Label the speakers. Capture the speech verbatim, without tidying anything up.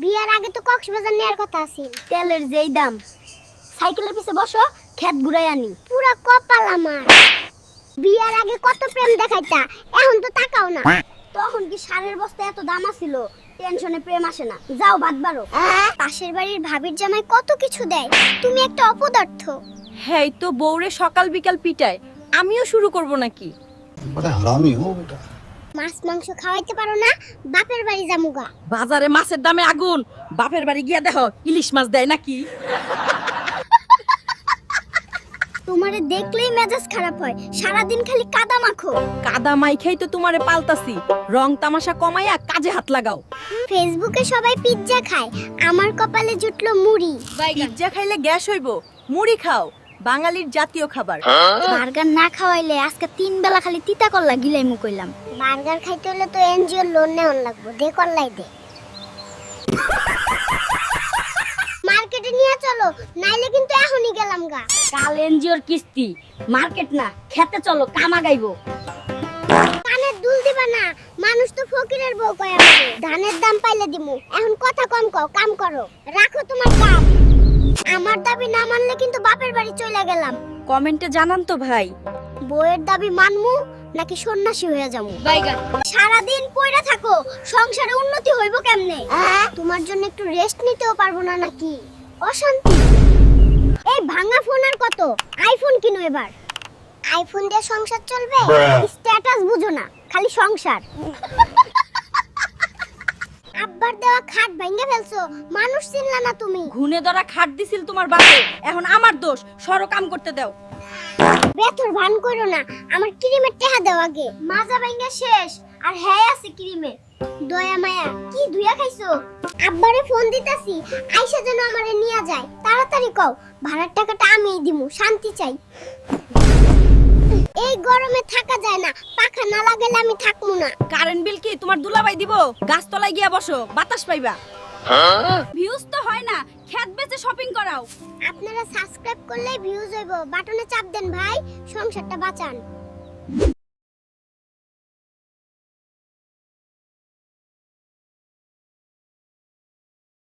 Speaker 1: বিয়ার আগে তো কক্সবাজার নেওয়ার কথা আছিল। তেলের যেই দাম, সাইকেলের পিছে বসো, খেত ঘুরাই আনি। পুরা কপাল আমার। বিয়ার আগে কত প্রেম দেখাইতা, এখন তো তাকাও না। তখন কি সারের বস্তা এত দাম আছিল? টেনশনে প্রেম আসে না। যাও ভাত বাড়ো। পাশের বাড়ির ভাবির জামাই কত কিছু দেয়, তুমি একটা অপদার্থ।
Speaker 2: হ্যাঁ তো বউরে সকাল বিকাল পিটায়, আমিও শুরু করব নাকি?
Speaker 3: बड़ा हरामी हो बेटा।
Speaker 1: মাছ মাংস খাওয়াইতে পারো না, বাপের বাড়ি জামুগা।
Speaker 2: বাজারে মাছের দামে আগুন, বাপের বাড়ি গিয়া দেখো ইলিশ মাছ দেয় নাকি?
Speaker 1: তোমারে দেখলেই মেজাজ খারাপ হয়, সারাদিন খালি কাদা মাখো।
Speaker 2: কাদা মাইখাই তো তোমারে পাল্টাছি, রং তামাশা কমাইয়া কাজে হাত লাগাও।
Speaker 1: ফেসবুকে সবাই পিৎজা খায়, আমার কপালে জুটলো মুড়ি।
Speaker 2: পিজ্জা খাইলে গ্যাস হইব, মুড়ি খাও, বাঙালির জাতীয় খাবার।
Speaker 1: বার্গার না খাওয়াইলে আজকে তিন বেলা খালি তিতা করলা গিলাইমু কইলাম। বার্গার খাইতে হলে তো এনজিও লোন নেওয়ার লাগবে, দে করলাই দে। মার্কেটে নিয়ে চলো, নাইলে কিন্তু এখনই গেলাম গা।
Speaker 4: কাল এনজিওর কিস্তি, মার্কেট না খেতে চলো, কামা গাইবো।
Speaker 1: কানের দুল দিবা না, মানুষ তো ফকিরের বউ কয় আমাকে। ধানের দাম পাইলে দিমু, এখন কথা কম কও, কাম করো, রাখো তোমার কাম। আমার দাবি না মানলে কিন্তু বাপের বাড়ি চলে গেলাম।
Speaker 2: কমেন্টে জানান তো ভাই,
Speaker 1: বউয়ের দাবি মানমু নাকি সন্ন্যাসী হয়ে যাবো।
Speaker 4: বাইগান
Speaker 1: সারাদিন পয়রা থাকো, সংসারে উন্নতি হইব কেমনে? তোমার জন্য একটু রেস্ট নিতেও পারবো না নাকি? অশান্তি। এই ভাঙা ফোন আর কত? আইফোন কিনো এবার। আইফোন দিয়ে সংসার চলবে? স্ট্যাটাস বুঝো না, খালি সংসার। আব্বার দেওয়া খাট ভেঙে ফেলছো, মানুষ চিনলা না তুমি।
Speaker 2: ঘুনে ধরা খাট দিছিল তোমার বাপে, এখন আমার দোষ, সরো কাম করতে দাও।
Speaker 1: বেথর ভান করো না, আমার ক্রিমের টেহা দাও আগে। মাজা ভাঙা শেষ, আর হ্যাঁ আছে ক্রিমে। দয়া মায়া কি ধুইয়া খাইছো? আব্বারে ফোন দিতাছি, আইসা যেন আমারে নিয়া যায়। তাড়াতাড়ি কও, ভাড়ার টাকাটা আমিই দিমু, শান্তি চাই। এই গরমে থাকা যায় না, পাখা না লাগালে আমি থাকমু না।
Speaker 2: কারেন্ট বিল কি তোমার দুলাভাই দিব? গাছতলায় গিয়া বসো, বাতাস পাইবা। ভিউজ তো হয় না, খেত বেচে শপিং করাও।
Speaker 1: আপনারা সাবস্ক্রাইব করলে ভিউজ হইব, বাটনে চাপ দেন ভাই, সংসারটা বাঁচান।